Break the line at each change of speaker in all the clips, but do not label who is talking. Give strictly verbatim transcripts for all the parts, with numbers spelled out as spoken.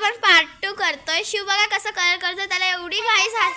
आपण part two करतोय. शिव बघा कसं कलर करतोय, त्याला एवढी घाई झाली.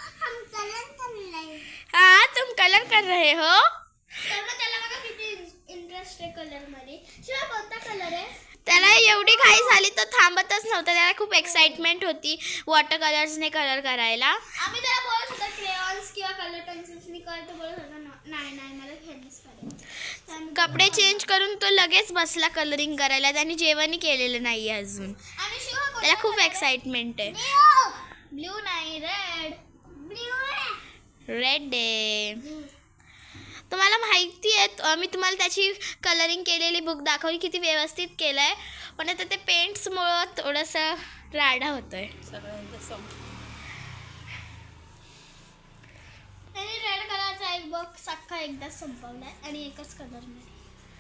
हा तुम कलर कर रहे हो.
त्याला बघा किती इंटरेस्ट आहे कलर मध्ये. शिव कोणता कलर आहे?
त्याला एवढी घाई झाली तर थांबतच नव्हता. त्याला खूप एक्साइटमेंट होती वॉटर कलर्सने कलर करायला.
आम्ही त्याला बोलत होतो क्रेयॉन्स किंवा कलर पेन्सिल्सनी कर, तो बोलत होता नाही नाही मला हेच करायचं.
कपडे चेंज करून तो लगेच बसला कलरिंग करायला. त्याने जेवणही केलेलं नाही अजून.
आणि शिव
त्याला खूप एक्साइटमेंट आहे.
ब्ल्यू नाही रेड. Blue
red day. तुम्हाला माहिती आहे मी तुम्हाला त्याची कलरिंग केलेली बुक दाखवली, किती व्यवस्थित केलं आहे. पण आता ते पेंट्समुळं थोडंसं राडा होतो आहे.
त्याने रेड कलरचा एक बॉक्स अख्खा एकदा संपवलाय आणि एकच कलर मध्ये.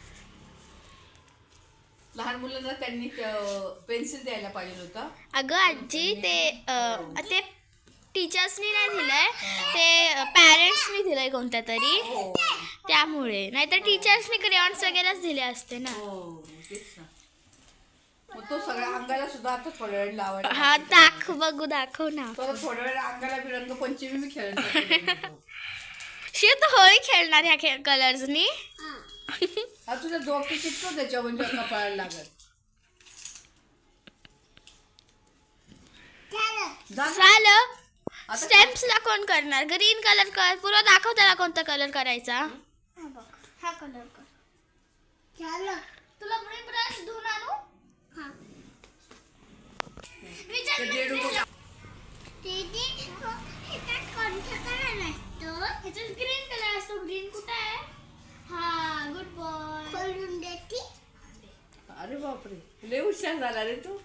लहान मुलांना त्यांनी पेन्सिल द्यायला पाहिजे होतं.
अगं आजी ते अं, ते टीचर्सनी नाही दिलंय, ते पॅरेंट्सनी दिलंय कोणत्या तरी, त्यामुळे. नाहीतर टीचर्सनी क्रेयॉन्स वगैरेच दिले असते ना.
मग तो सगळ्या अंगाला सुद्धा आता थोड्या वेळ लावायला.
हा दाख बघू दाखव ना.
तो थोड्या वेळ अंगाला बी रंगपंचमी मी खेळणार.
शिव तू होळी खेळणार ह्या खेळ कलर्सनी.
हा तुझा डोके चिटतो त्याच्या म्हणजे कपाळाला लागत.
झालं. स्टेम्प्सला कोण करणार? ग्रीन कलर कर. पुरा दाखव त्याला कोणता कलर करायचा.
हा कलर कर. तुला ब्रश धुवून आणू? हा. ग्रीन कलर असतो. ग्रीन कुठे आहे? हा गुड बॉय.
अरे बापरे, लय हुशार झाला रे तू.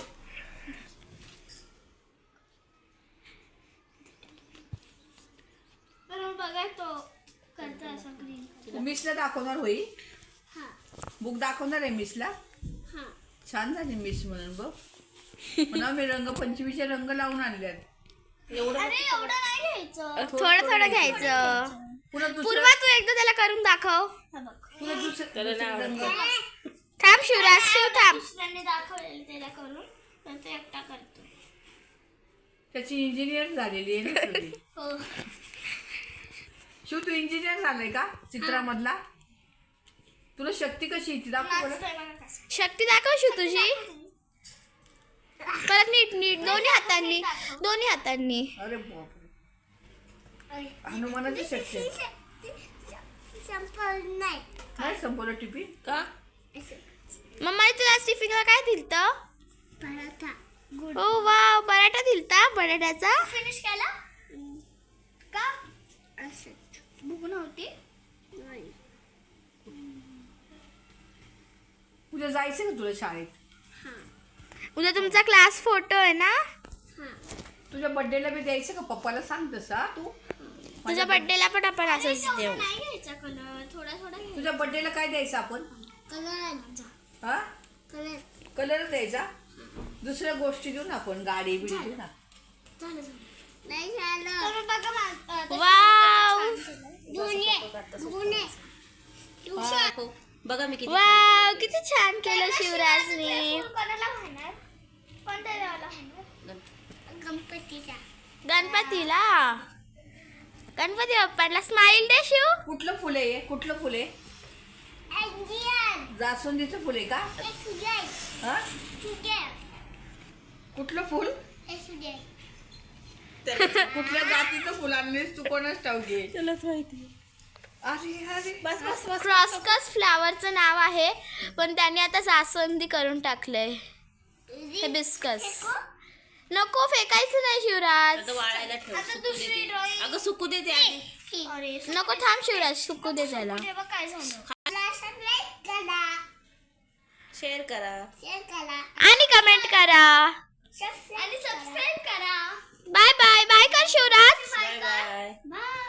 बघा तो करतो असं ग्रीन.
मिसला दाखवणार होई.
हा
बुक दाखवणार आहे मिसला.
हा
छान झाली मिस म्हणून बघ. म्हणा मी रंगपंचमीचे रंग लावून आणल्यात. एवढं
अरे एवढं नाही घ्यायचं.
थोडं थोडं घ्यायचं.
पुन्हा दुसरं
पूर्वा तू एकदा त्याला करून दाखव.
हा बघ.
पुन्हा दुसरं रंग.
थांब शिवराज, शिव थांब.
दुसऱ्याने दाखवलेलं त्याला करून तर ते एकटा करतो.
त्याची इंजिनियर झालेली आहे ना तुझी.
हो.
शिव तू इंजिनियर झालाय का चित्रामधला? तुला शक्ती कशी येते दाखव बरं.
शक्ती दाखव शिव तुझी. परत नीट नीट दोन्ही हातांनी दोन्ही हातांनी.
अरे बापरे, हनुमानाची शक्ती आहे.
नाही
काय संपवलं टिपी का?
मम्माने तुला टिफिनला काय दिलतं?
Paratha. Good.
Oh wow, paratha दिलता बटाट्याचा.
फिनिश केला का? असं भूक नव्हती.
उद्या जायचं का तुला शाळेत?
उद्या तुमचा क्लास फोटो आहे ना.
तुझ्या बर्थडेला बी द्यायचं का? पप्पाला सांग तसा तू.
तुझ्या बर्थडेला पण आपण असंच देऊ.
नाही घ्यायचा कलर, थोडा थोडा घ्यायचा.
तुझ्या बर्थडेला काय द्यायचं आपण?
कलर.
हा
कलर.
कलर द्यायचा. दुसऱ्या गोष्टी देऊ ना आपण, गाडी बिडी देऊ ना.
झालं झालं. नाही झालं. तर बघा मा-
वाव
गुन्हे. गुन्हे. ट्युशन.
बघा मी किती
वाव, किती छान केलं शिवराजने.
कोणाला म्हणणार? कोणत्या देवाला म्हणणार? गणपतीचा.
गणपतीला, गणपती बाप्पाला स्माइल दे शिव.
कुठलं फुल आहे? कुठलं फुल आहे?
इंडियन.
जास्वंदीचं फुल आहे का?
सुजय.
हा
सुजय.
कुठलं फुल?
सुजय.
कुठल्या जातीचं फुल आणलीस तू? कोणाच ठाऊके?
तुलाच माहिती.
अरे अरे
बस बस बस.
क्रॉसकस फ्लावरचं नाव आहे, पण त्याने आता जास्वंदी करून टाकलंय. हिबिस्कस. नको फेकायचं नाही शिवराज.
आता वाळायला ठेव.
आता
सुकू
दुसरी
दे.
ड्रॉइंग.
अगं सुकू दे ते आधी.
अरे
नको थांब शिवराज, सुकू दे त्याला.
तेव्हा काय झालं? सबस्क्राइब करा.
शेअर करा.
शेअर करा.
आणि कमेंट करा.
आणि सबस्क्राइब करा.
बाय बाय बाय कर शिवराज.
Bye bye.
बाय.